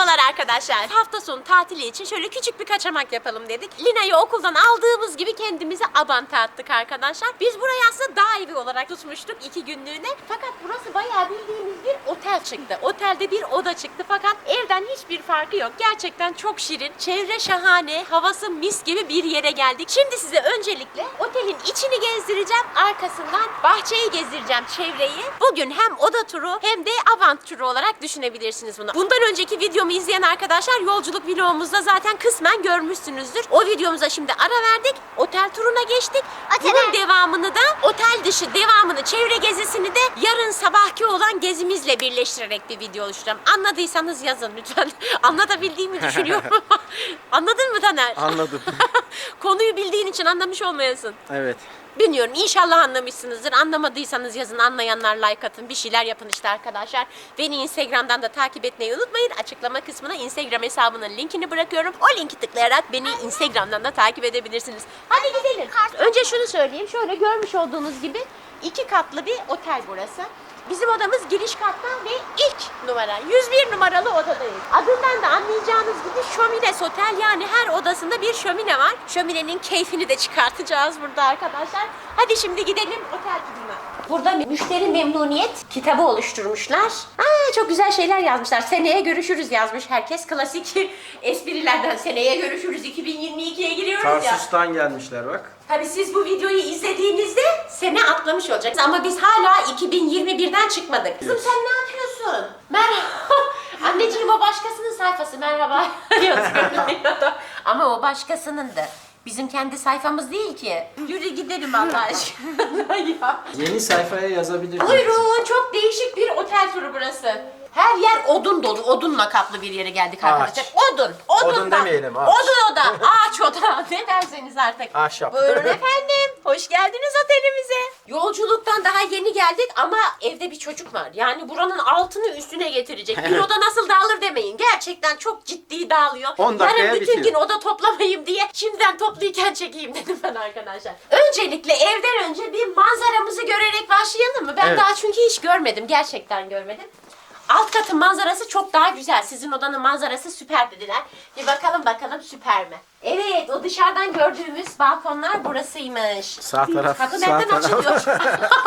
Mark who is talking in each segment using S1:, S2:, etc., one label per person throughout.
S1: Merhabalar arkadaşlar. Hafta sonu tatili için şöyle küçük bir kaçamak yapalım dedik. Lina'yı okuldan aldığımız gibi kendimize Abant'a attık arkadaşlar. Biz burayı aslında dağ evi olarak tutmuştuk 2 günlüğüne. Fakat burası bayağı bildiğimiz bir otel çıktı. Otelde bir oda çıktı fakat evden hiçbir farkı yok. Gerçekten çok şirin. Çevre şahane. Havası mis gibi bir yere geldik. Şimdi size öncelikle otelin içini gezdireceğim. Arkasından bahçeyi gezdireceğim, çevreyi. Bugün hem oda turu hem de Abant turu olarak düşünebilirsiniz bunu. Bundan önceki videomu izleyen arkadaşlar yolculuk vlogumuzda zaten kısmen görmüşsünüzdür. O videomuza şimdi ara verdik. Otel turuna geçtik. Bunun devamını da otel dışı devamını, çevre gezisini de yarın sabahki olan gezimizle birleştirerek bir video oluşturacağım. Anladıysanız yazın lütfen. Anlatabildiğimi düşünüyorum. Anladın mı Taner?
S2: Anladım.
S1: Konuyu bildiğin için anlamış olmayasın.
S2: Evet.
S1: Bilmiyorum, inşallah anlamışsınızdır. Anlamadıysanız yazın, anlayanlar like atın, bir şeyler yapın işte arkadaşlar. Beni Instagram'dan da takip etmeyi unutmayın. Açıklama kısmına Instagram hesabının linkini bırakıyorum. O linki tıklayarak beni Instagram'dan da takip edebilirsiniz. Hadi gidelim. Önce şunu söyleyeyim. Şöyle görmüş olduğunuz gibi 2 katlı bir otel burası. Bizim odamız giriş katta ve ilk numara 101 numaralı odadayız. Adından da anlayacağınız gibi şömines otel, yani her odasında bir şömine var. Şöminenin keyfini de çıkartacağız burada arkadaşlar. Hadi şimdi gidelim otel turuna. Burada müşteri memnuniyet kitabı oluşturmuşlar. Çok güzel şeyler yazmışlar. Seneye görüşürüz yazmış herkes. Klasik esprilerden seneye görüşürüz 2022'ye giriyoruz ya.
S2: Tarsus'tan gelmişler bak.
S1: Tabii siz bu videoyu izlediğinizde sene atlamış olacaksınız ama biz hala 2021'den çıkmadık. Kızım sen ne yapıyorsun? Merhaba. Anneciğim o başkasının sayfası, merhaba yazıyor. Ama o başkasının da. Bizim kendi sayfamız değil ki. Yürü gidelim Allah aşkına ya.
S2: Yeni sayfaya yazabilirsiniz.
S1: Buyurun, çok değişik bir otel turu burası. Her yer odun dolu, odunla kaplı bir yere geldik arkadaşlar. Odun,
S2: Odun demeyelim, ağaç.
S1: Odun oda, ağaç oda, ne derseniz artık.
S2: Ahşap.
S1: Buyurun efendim, hoş geldiniz otelimize. Yolculuktan daha yeni geldik ama evde bir çocuk var. Yani buranın altını üstüne getirecek. Bir oda nasıl dağılır demeyin. Gerçekten çok ciddi dağılıyor.
S2: 10 dakikaya
S1: Yarın bütün
S2: bitiyor.
S1: gün oda toplamayayım diye şimdiden toplayken çekeyim dedim ben arkadaşlar. Öncelikle evden önce bir manzaramızı görerek başlayalım mı? Ben
S2: Evet.
S1: daha çünkü hiç görmedim. Gerçekten görmedim. Alt katın manzarası çok daha güzel. Sizin odanın manzarası süper dediler. Bir bakalım süper mi? Evet, o dışarıdan gördüğümüz balkonlar burasıymış.
S2: Sağ taraf.
S1: Kapı
S2: sağ
S1: nereden
S2: taraf.
S1: açılıyor?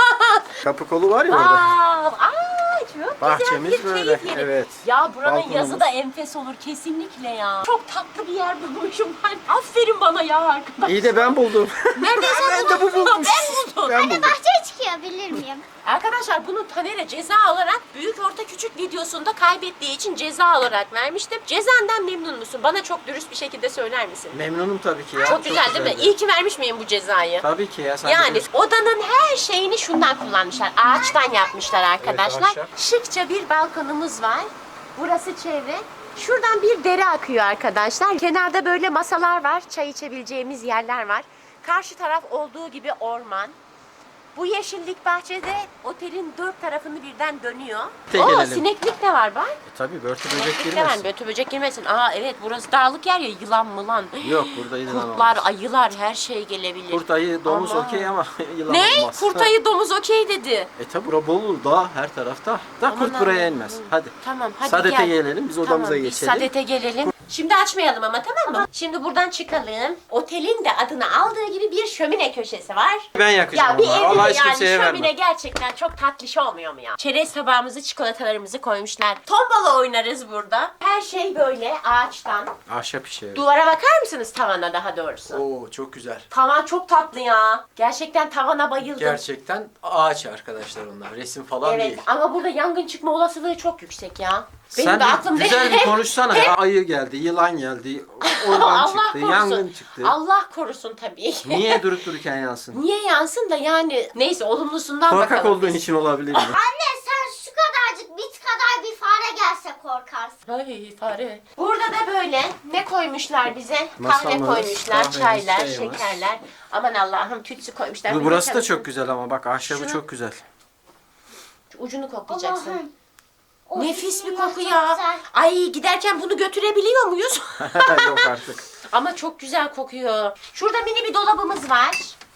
S2: Kapı kolu var ya orada.
S1: Çok
S2: Bahçemiz
S1: güzel bir
S2: böyle,
S1: keyif yeri.
S2: evet.
S1: Ya buranın
S2: Balkonumuz.
S1: yazı da enfes olur kesinlikle ya. Çok tatlı bir yer bulmuşum ben. Aferin bana ya arkadaş.
S2: İyi de ben buldum.
S1: Neredeyse
S2: Ben de bu bulmuş.
S1: Ben buldum.
S2: Ben buldum.
S3: Bahçeye çıkabilir miyim?
S1: Arkadaşlar bunu Taner'e ceza olarak büyük orta küçük videosunda kaybettiği için ceza olarak vermiştim. Cezandan memnun musun? Bana çok dürüst bir şekilde söyler misin?
S2: Memnunum tabii ki ya.
S1: Çok güzel değil mi?
S2: güzeldi.
S1: İyi ki vermiş miyim bu cezayı?
S2: Tabii ki ya. Sen de
S1: Yani
S2: bilirsin.
S1: odanın her şeyini şundan kullanmışlar. Ağaçtan yapmışlar arkadaşlar.
S2: ahşap.
S1: Şıkça bir balkonumuz var. Burası çevre. Şuradan bir dere akıyor arkadaşlar. Kenarda böyle masalar var. Çay içebileceğimiz yerler var. Karşı taraf olduğu gibi orman. Bu yeşillik bahçede otelin 4 tarafını birden dönüyor.
S2: Gelelim.
S1: Sineklik de var bak.
S2: Tabii börtü böcek
S1: Sineklik de var.
S2: girmesin.
S1: Bötü böcek girmesin. Evet, burası dağlık yer ya, yılan mılan.
S2: Yok, burada yılan
S1: Kurtlar,
S2: olmaz.
S1: ayılar, her şey gelebilir.
S2: Kurt, ayı, domuz
S1: Aman.
S2: okey ama yılan
S1: Ne?
S2: olmaz.
S1: Kurt, ayı, domuz okey dedi.
S2: Tabi bura Bolu dağ her tarafta. Da
S1: Aman
S2: kurt buraya
S1: Allah'ım.
S2: inmez. Hadi.
S1: Tamam, hadi
S2: Sadete
S1: gel.
S2: gelelim, biz odamıza
S1: Biz
S2: geçelim.
S1: Sadete gelelim. Şimdi açmayalım ama, tamam mı? Şimdi buradan çıkalım. Otelin de adını aldığı gibi bir şömine köşesi var.
S2: Ben yakacağım
S1: Ya bir
S2: ama.
S1: evde
S2: Allah
S1: de
S2: hiç
S1: yani
S2: kimseye
S1: şömine
S2: vermem.
S1: gerçekten çok tatlış olmuyor mu ya? Çerez tabağımızı, çikolatalarımızı koymuşlar. Tombala oynarız burada. Her şey böyle ağaçtan.
S2: Ahşap işi. Evet.
S1: Duvara bakar mısınız, tavana daha doğrusu?
S2: Oo, çok güzel.
S1: Tavan çok tatlı ya. Gerçekten tavana bayıldım.
S2: Gerçekten ağaç arkadaşlar onlar. Resim falan
S1: Evet,
S2: değil.
S1: ama burada yangın çıkma olasılığı çok yüksek ya.
S2: Sen
S1: de
S2: de
S1: aklımda
S2: güzel bir
S1: hep-
S2: konuşsana ya. Ayı geldi, yılan geldi, orman
S1: Allah
S2: çıktı,
S1: korusun.
S2: yangın çıktı.
S1: Allah korusun tabii.
S2: Niye durup dururken yansın?
S1: Niye yansın da yani, neyse olumlusundan
S2: Korkak
S1: bakalım.
S2: olduğun için olabilir mi?
S3: Anne sen şu kadarcık bit kadar bir fare gelse korkarsın.
S1: Ay fare. Burada da böyle ne koymuşlar bize? Kahve
S2: Masamız,
S1: koymuşlar,
S2: kahvemiz,
S1: çaylar,
S2: çayımız.
S1: şekerler. Aman Allah'ım, tütsü koymuşlar. Bir
S2: Burası da
S1: bakalım.
S2: çok güzel ama bak ahşabı
S1: Şunu-
S2: çok güzel.
S1: Şu ucunu koklayacaksın.
S3: Allah'ım. O
S1: Nefis bir
S3: bismillah,
S1: koku
S3: çok
S1: ya.
S3: güzel.
S1: Ay, giderken bunu götürebiliyor muyuz?
S2: Yok artık.
S1: Ama çok güzel kokuyor. Şurada mini bir dolabımız var.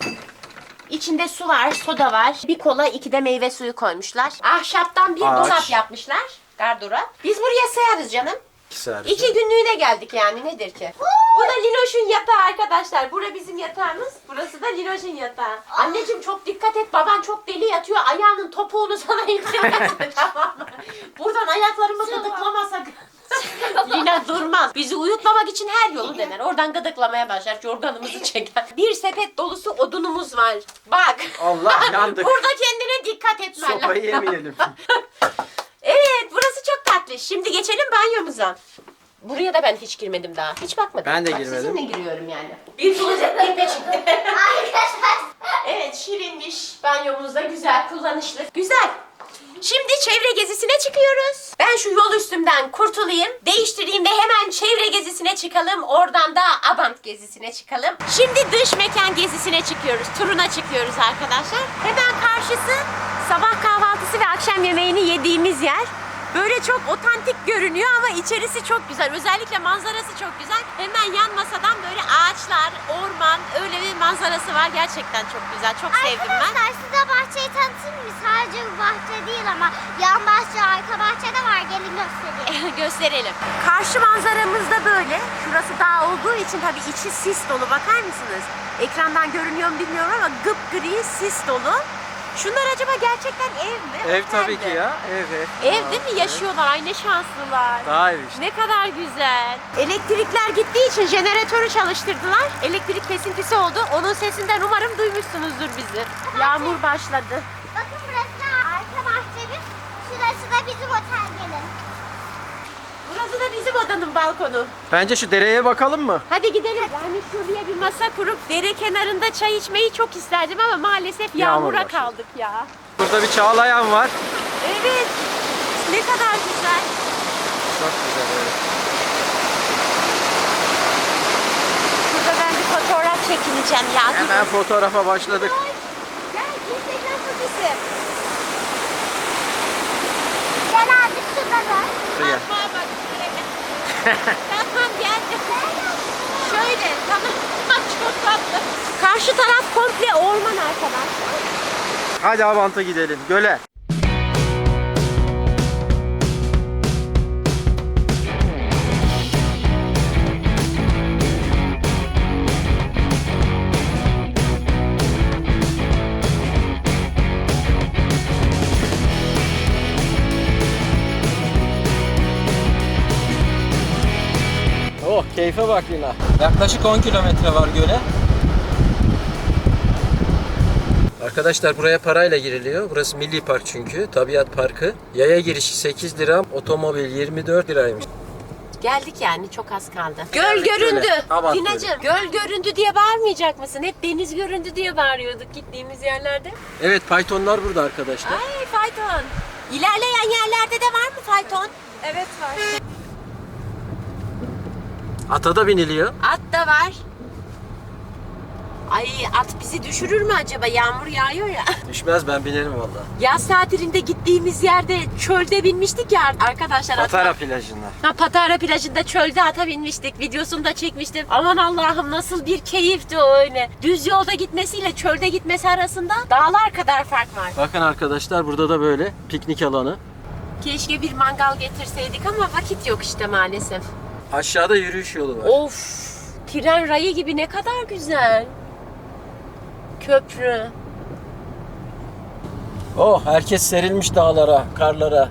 S1: İçinde su var, soda var. Bir kola, 2 de meyve suyu koymuşlar. Ahşaptan bir
S2: Ağaç.
S1: dolap yapmışlar. Gardırop. Biz buraya sığarız canım.
S2: servisi.
S1: 2 günlüğüne geldik yani, nedir ki? Bu da Linoş'un yatağı arkadaşlar. Bura bizim yatağımız. Burası da Linoş'un yatağı. Anneciğim çok dikkat et. Baban çok deli yatıyor. Ayağının topuğunu sana indirmesin, tamam mı? Buradan ayaklarımı gıdıklamasak. Lina durmaz. Bizi uyutmamak için her yolu dener. Oradan gıdıklamaya başlar. Yorganımızı çeker. Bir sepet dolusu odunumuz var. Bak.
S2: Allah, yandık.
S1: Burada kendine dikkat etmen lazım.
S2: Sopayı yemeyelim.
S1: Evet, burası çok tatlı. Şimdi geçelim banyomuza. Buraya da ben hiç girmedim daha. Hiç bakmadım.
S2: Ben de
S1: Bak,
S2: girmedim.
S1: Sizinle giriyorum yani. Bir klozet girme çıktı.
S3: Arkadaşlar.
S1: Evet, şirinmiş. Banyomuz da güzel, kullanışlı. Güzel. Şimdi çevre gezisine çıkıyoruz. Ben şu yol üstümden kurtulayım, değiştireyim ve hemen çevre gezisine çıkalım. Oradan da Abant gezisine çıkalım. Şimdi dış mekan gezisine çıkıyoruz. Turuna çıkıyoruz arkadaşlar. Hemen karşısı sabah kahvaltısı ve akşam yemeğini yediğimiz yer. Böyle çok otantik görünüyor ama içerisi çok güzel. Özellikle manzarası çok güzel. Hemen yan masadan böyle ağaçlar, orman, öyle bir manzarası var. Gerçekten çok güzel. Çok sevdim ben.
S3: Arkadaşlar size bahçeyi tanıtayım mı? Sadece bu bahçe değil ama yan bahçe, arka bahçe de var. Gelin göstereyim.
S1: Gösterelim. Karşı manzaramız da böyle. Şurası dağ olduğu için tabii içi sis dolu. Bakar mısınız? Ekrandan görünüyor mu bilmiyorum ama gıpgri sis dolu. Şunlar acaba gerçekten ev mi?
S2: Ev
S1: Otel
S2: tabii
S1: mi?
S2: ki ya. Ev.
S1: Ev değil mi? Yaşıyorlar. Ay ne şanslılar.
S2: Daha ev işte.
S1: Ne kadar güzel. Elektrikler gittiği için jeneratörü çalıştırdılar. Elektrik kesintisi oldu. Onun sesinden umarım duymuşsunuzdur bizi. Yağmur başladı.
S3: Bakın burası da arka bahçemiz. Şurası da bizim otel, gelin.
S1: Burası da bizim odanın balkonu.
S2: Bence şu dereye bakalım mı?
S1: Hadi gidelim. Yani şuraya bir masa kurup dere kenarında çay içmeyi çok isterdim ama maalesef
S2: Yağmur
S1: yağmura
S2: başladı.
S1: kaldık ya.
S2: Burada bir çağlayan var.
S1: Evet. Ne kadar güzel.
S2: Çok güzel, evet.
S1: Şurada ben bir fotoğraf çekineceğim ya.
S2: Hemen fotoğrafa başladık.
S1: Gel Instagram fotisi.
S3: Gel abi şurada da.
S2: Buraya.
S1: Bak bak şuraya. Tamam geldim. Şöyle tamam. Çok tatlı. Karşı taraf komple orman arkadaşlar.
S2: Hadi Abant'a gidelim. Göle. Oh, keyfe bak Lina. Yaklaşık 10 kilometre var göle. Arkadaşlar buraya parayla giriliyor. Burası milli park çünkü. Tabiat parkı. Yaya girişi 8 lira, otomobil 24 liraymış.
S1: Geldik yani, çok az kaldı. Göl göründü.
S2: Abant
S1: Dinacığım, göl göründü diye bağırmayacak mısın? Hep deniz göründü diye bağırıyorduk gittiğimiz yerlerde.
S2: Evet, faytonlar burada arkadaşlar.
S1: Ay fayton. İlerleyen yerlerde de var mı fayton?
S4: Evet var.
S2: Ata da biniliyor.
S1: At da var. Ay at bizi düşürür mü acaba? Yağmur yağıyor ya.
S2: Düşmez, ben binerim vallahi.
S1: Yaz tatilinde gittiğimiz yerde çölde binmiştik ya arkadaşlar.
S2: Patara
S1: ata.
S2: plajında.
S1: Ha, Patara plajında çölde ata binmiştik. Videosunu da çekmiştim. Aman Allah'ım nasıl bir keyifti o öyle. Düz yolda gitmesiyle çölde gitmesi arasında dağlar kadar fark var.
S2: Bakın arkadaşlar, burada da böyle piknik alanı.
S1: Keşke bir mangal getirseydik ama vakit yok işte maalesef.
S2: Aşağıda yürüyüş yolu var.
S1: Of! Tren rayı gibi, ne kadar güzel. Köprü.
S2: Oh, herkes serilmiş dağlara, karlara.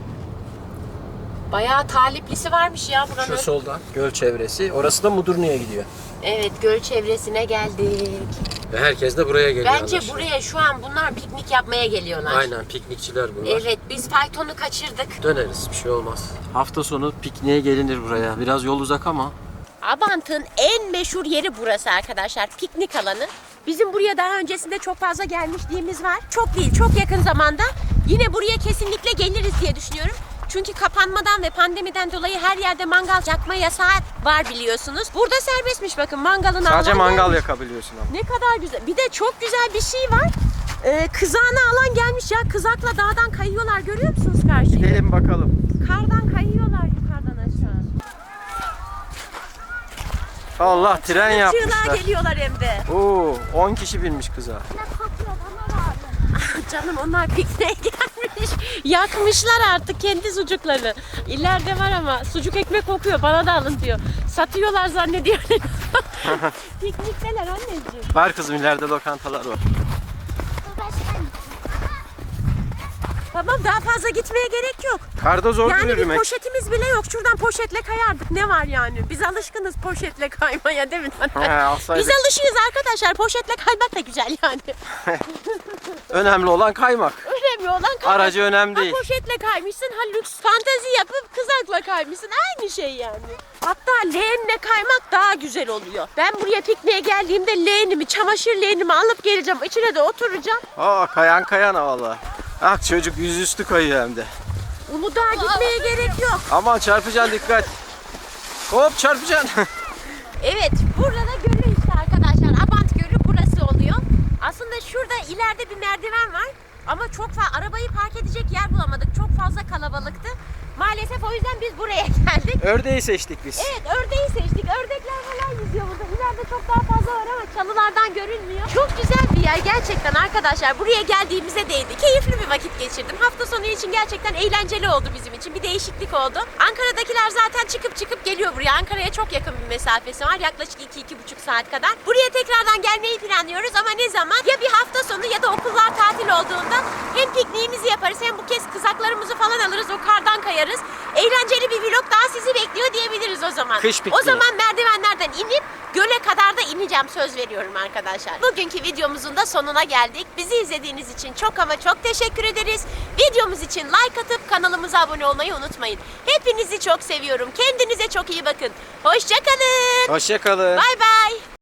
S1: Bayağı taliplisi varmış ya buranın.
S2: Şu soldan göl çevresi. Orası da Mudurnu'ya gidiyor.
S1: Evet, göl çevresine geldik.
S2: Ve herkes de buraya geliyor.
S1: Bence
S2: anlaşılan.
S1: buraya şu an bunlar piknik yapmaya geliyorlar.
S2: Aynen, piknikçiler bunlar.
S1: Evet, biz faytonu kaçırdık.
S2: Döneriz, bir şey olmaz. Hafta sonu pikniğe gelinir buraya. Biraz yol uzak ama.
S1: Abant'ın en meşhur yeri burası arkadaşlar. Piknik alanı. Bizim buraya daha öncesinde çok fazla gelmişliğimiz var. Çok değil, çok yakın zamanda. Yine buraya kesinlikle geliriz diye düşünüyorum. Çünkü kapanmadan ve pandemiden dolayı her yerde mangal yakma yasağı var biliyorsunuz. Burada serbestmiş bakın, mangalın
S2: Sadece
S1: alan
S2: mangal
S1: gelmiş.
S2: yakabiliyorsun ama.
S1: Ne kadar güzel. Bir de çok güzel bir şey var. Kızağına alan gelmiş ya. Kızakla dağdan kayıyorlar, görüyor musunuz karşıyı?
S2: Gidelim bakalım.
S1: Kardan kayıyorlar yukarıdan aşağı.
S2: Allah, tren
S1: Çığlığa
S2: yapmışlar.
S1: geliyorlar hem de.
S2: Oo, 10 kişi binmiş kıza.
S3: Ne kokuyor bana lazım.
S1: Canım onlar pikniğe gelmiş. Yakmışlar artık kendi sucuklarını. İleride var ama sucuk ekmek kokuyor, bana da alın diyor. Satıyorlar zannediyor. Piknikteler anneciğim.
S2: Var kızım, ileride lokantalar var.
S1: Tamam, daha fazla gitmeye gerek yok.
S2: Karda zor
S1: Yani bir
S2: yürümek.
S1: poşetimiz bile yok. Şuradan poşetle kayardık. Ne var yani? Biz alışkınız poşetle kaymaya, değil mi?
S2: Alsaydık.
S1: Biz alışığız arkadaşlar. Poşetle kaymak da güzel yani.
S2: Önemli olan kaymak.
S1: Önemli olan kaymak.
S2: Aracı önemli değil.
S1: Ha poşetle kaymışsın, ha lüks fantezi yapıp kızakla kaymışsın. Aynı şey yani. Hatta leğenle kaymak daha güzel oluyor. Ben buraya pikniğe geldiğimde leğenimi, çamaşır leğenimi alıp geleceğim. İçine de oturacağım.
S2: Aa, kayan valla. Ah, çocuk yüzüstü kayıyor hem de.
S1: Uludağ'a gitmeye gerek yok.
S2: Aman çarpacaksın, dikkat. Hop, çarpacaksın.
S1: Evet, burada da gölü işte arkadaşlar. Abant Gölü burası oluyor. Aslında şurada ileride bir merdiven var. Ama çok fazla arabayı park edecek yer bulamadık. Çok fazla kalabalıktı. Maalesef o yüzden biz buraya geldik.
S2: Ördeği seçtik biz.
S1: Evet, ördeği seçtik. Ördekler falan yüzüyor burada. İleride çok daha fazla var ama çalılardan görünmüyor. Çok güzel bir yer gerçekten arkadaşlar. Buraya geldiğimize değdi. Keyifli bir vakit geçirdim. Hafta sonu için gerçekten eğlenceli oldu bizim için. Bir değişiklik oldu. Ankara'dakiler zaten çıkıp geliyor buraya. Ankara'ya çok yakın bir mesafesi var. Yaklaşık 2-2,5 saat kadar. Buraya tekrardan gelmeyi planlıyoruz ama ne zaman? Ya bir hafta sonu ya da okullar tatil olduğunda hem pikniğimizi yaparız hem bu kez kızaklarımızı falan alırız. O kardan kayarız. Eğlenceli bir vlog daha sizi bekliyor diyebiliriz o zaman.
S2: Kış pikniği.
S1: O zaman merdivenlerden inip göle kadar da ineceğim, söz veriyorum arkadaşlar. Bugünkü videomuzun da sonuna geldik. Bizi izlediğiniz için çok ama çok teşekkür ederiz. Videomuz için like atıp kanalımıza abone olmayı unutmayın. Hepinizi çok seviyorum. Kendinize çok iyi bakın. Hoşça kalın.
S2: Hoşça kalın.
S1: Bay bay.